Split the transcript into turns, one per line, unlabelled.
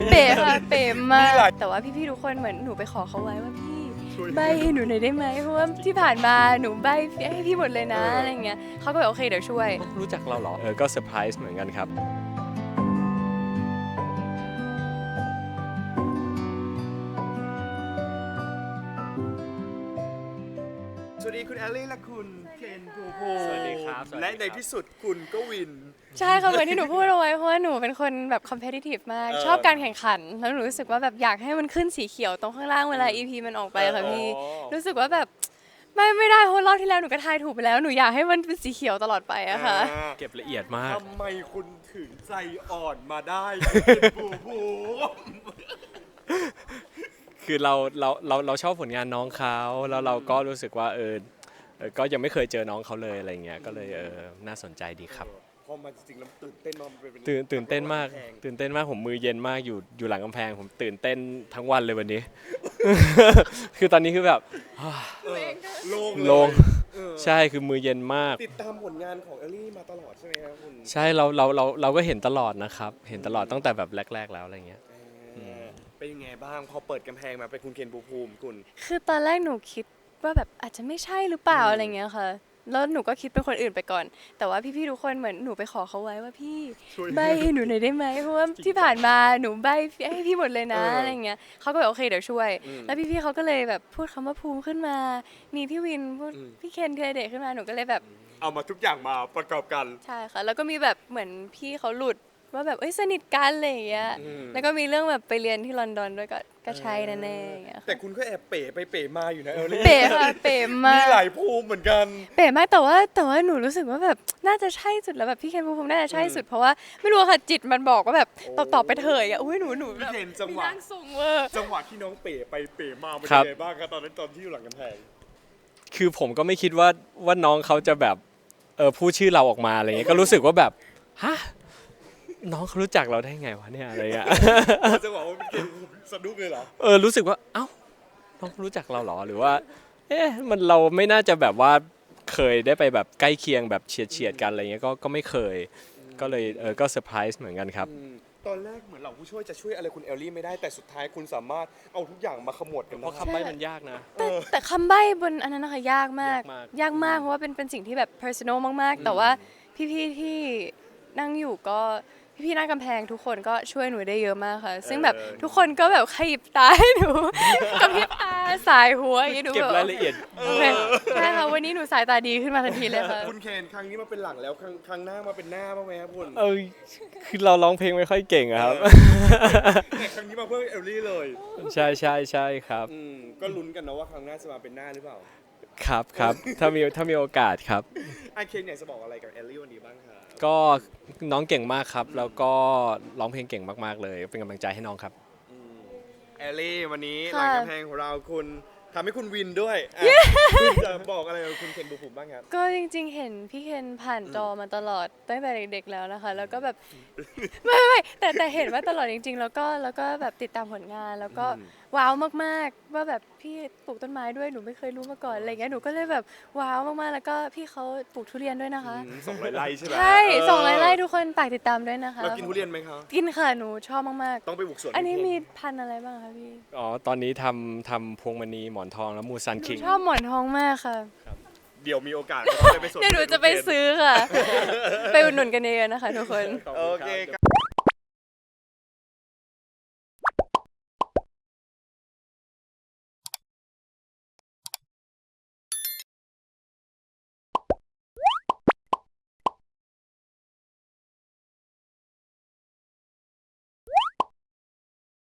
เป๋ค่ะเป๋มากแต่ว่าพี่ๆทุกคนเหมือนหนูไปขอเขาไว้ว่าพี่ใบให้หนูหน่อยได้ไหมเพราะว่าที่ผ่านมาหนูใบให้พี่หมดเลยนะอะไรเงี้ยเขาก็แบบโอเคเดี๋ยวช่วย
รู้จักเราเหรอก็เซอร์ไพรส์เหมือนกันครับ
สวัสดีคุณแอลลี่และคุณเคนภูภู
สวัสดีครับ
และในที่สุดคุณก็วิน
ใช่ค่ะเหมือนที่หนูพูดเอาไว้เพราะว่าหนูเป็นคนแบบ competitive มากชอบการแข่งขันแล้วหนูรู้สึกว่าแบบอยากให้มันขึ้นสีเขียวตรงข้างล่างเวลา EP มันออกไปค่ะพี่รู้สึกว่าแบบไม่ได้เพราะรอบที่แล้วหนูก็ทายถูกไปแล้วหนูอยากให้มันเป็นสีเขียวตลอดไปอะค่ะ
เก็บละเอียดมาก
ทำไมคุณถึงใจอ่อนมาได้คุณภูภู
คือเราชอบผลงานน้องเขาแล้วเราก็รู้สึกว่าก็ยังไม่เคยเจอน้องเขาเลยอะไรเงี้ยก็เลยน่าสนใจดีครับ
พอมาจริงๆแล้วตื่นเต้นมากมันเป็น
ตื่นเต้นมากผมมือเย็นมากอยู่หลังกำแพงผมตื่นเต้นทั้งวันเลยวันนี้ คือตอนนี้คือแบบ
โล่ง
ใช่คือมือเย็นมาก
ติดตามผลงานของแอลลี่มาตลอดใช่ไหมครับคุณ
ใช่เราก็เห็นตลอดนะครับเห็นตลอดตั้งแต่แบบแรกๆแล้วอะไรเงี้ย
เป็นยังไงบ้างพอเปิดกำแพงมาเป็นคุณเคนภูภูมิคุณ
คือตอนแรกหนูคิดว่าแบบอาจจะไม่ใช่หรือเปล่าอะไรเงี้ยค่ะแล้วหนูก็คิดเป็นคนอื่นไปก่อนแต่ว่าพี่ๆทุกคนเหมือนหนูไปขอเขาไว้ว่าพี่ใบให้หนูหน่อยได้ไหมเพราะว่าที่ผ่านมาหนูใบให้พี่หมดเลยนะอะไรเงี้ยเขาก็แบบโอเคเดี๋ยวช่วยแล้วพี่ๆเขาก็เลยแบบพูดคำว่าภูมิขึ้นมามีพี่วินพูดพี่เคนธีรเดชขึ้นมาหนูก็เลยแบบ
เอามาทุกอย่างมาประกอบกัน
ใช่ค่ะแล้วก็มีแบบเหมือนพี่เขาหลุดว่าแบบสนิทกันอะไรอย่างเงี้ยแล้วก็มีเรื่องแบบไปเรียนที่ลอนดอนด้วยก็ใช่แน่ๆอย่างเงี้ยค่ะ
แต่คุณก็แอบเป๋ไปเป๋มาอยู่นะแอลลี่
เป๋ค่ะเป๋มาก
มีหลายภูมิเหมือนกัน
เป๋มากแต่ว่าหนูรู้สึกว่าแบบน่าจะใช่สุดแล้วแบบพี่เคนภูมิภูมิน่าจะใช่สุดเพราะว่าไม่รู้ค่ะจิตมันบอกว่าแบบตอบไปเถอะอ่ะอุ้ยหนูแบบ
พี่เคนจังหวะ
มีร่างทรงเวอร์
จังหวะที่น้องเป๋ไปเป๋มาเป็น
ครั
ยั
บ
งไงบ้างครับตอนนั้นตอนที่อยู่หลังกำแพง
คือผมก็ไม่คิดว่าน้องเขาจะแบบพูดชื่อเราออกมาอะไรเงี้ยก็รู้สึกว่าแบบฮะน้องเขารู้จักเราได้ไงวะเนี่ยอะไรเงี้ย
จังหวะว่าพี่เคนสะดุ้งเลยเหรอ
รู้สึกว่าเอ้าน้องเขารู้จักเราเหรอหรือว่ามันเราไม่น่าจะแบบว่าเคยได้ไปแบบใกล้เคียงแบบเฉียดกันอะไรเงี้ยก็ไม่เคยก็เลยก็เซอร์ไพรส์เหมือนกันครับ
ตอนแรกเหมือนเหล่าผู้ช่วยจะช่วยอะไรคุณแอลลี่ไม่ได้แต่สุดท้ายคุณสามารถเอาทุกอย่างมาขมวดกัน
เพ
ได้
ราะคำใบ้มันยากนะ
แต่คำใบ้บนอันนั้นนะคะยากมาก
ยากมาก
เพราะว่าเป็นสิ่งที่แบบ personal มากๆ แต่ว่าพี่ๆที่นั่งอยู่ก็พี่ๆหน้ากำแพงทุกคนก็ช่วยหนูได้เยอะมากค่ะ ซึ่งแบบทุกคนก็แบบขยิบตาให้หนู กระพริบตาสายหัวอย่างนี้หนู
เก็บ
แบบ
รายละเอียด
โอเคใช่ค่ะวันนี้หนูสายตาดีขึ้นมาทันทีเลยค่ะ
คุณเคนครั้งนี้มาเป็นหลังแล้วครั้งหน้ามาเป็นหน้าบ้างไหมครับคุณ
คือเราร้องเพลงไม่ค่อยเก่งอะครับ
แต่ครั้งนี้มาเพื่อแอลลี่เลย
ใช่ครับ
ก็ลุ้นกันนะว่าครั้งหน้าจะมาเป็นหน้าหรือเปล่า
ครับถ้ามีโอกาสครับ
ไอเคนอยากจะบอกอะไรกับแอลลี่วันนี้บ้างครับ
ก็น้องเก่งมากครับ แล้วก็ร้องเพลงเก่งมากๆเลย เป็นกำลังใจให้น้องครับ
แอลลี่วันนี้ห
ค่ะ
ลังกำแพงของเราคุณทำให้คุณวินด้วยคุณจะบอกอะไรกับคุณเคนบุภูมิบ้างครับ
ก็จริงๆ เห็นพี่เคนผ่านจอมาตลอดตั้งแต่เด็กๆแล้วนะคะ แล้วก็แบบ ไม่แต่เห็นว่าตลอดจริงๆ แล้วก็แบบติดตามผลงานแล้วก็ว้าวมากๆว่าแบบพี่ปลูกต้นไม้ด้วยหนูไม่เคยรู้มาก่อนอะไรเงี้ยหนูก็เลยแบบว้าวมากๆแล้วก็พี่เขาปลูกทุเรียนด้วยนะคะ
200 ไร่ใช่ไหม
ใช่ส่งไล่ทุกคนฝากติดตามด้วยนะคะ
เรากินทุเรียนไหมครับ
กินค่ะหนูชอบมาก
ต้องไปบุกสวน
ๆ อันนี้
คุณเคน
มีพันธุ์อะไรบ้างคะพี่
อ๋อ ตอนนี้ทำพวงมณีหมอนทองแล้วมูซัน
หนู
คิง
ชอบหมอนทองมากค่ะ
เดี๋ยวมีโอกาสเราต้องไปสวน
เดี๋ยวหนูจะไปซื้อค่ะ ไปอุดหนุนกันเองนะคะทุกคน
โอเคครับ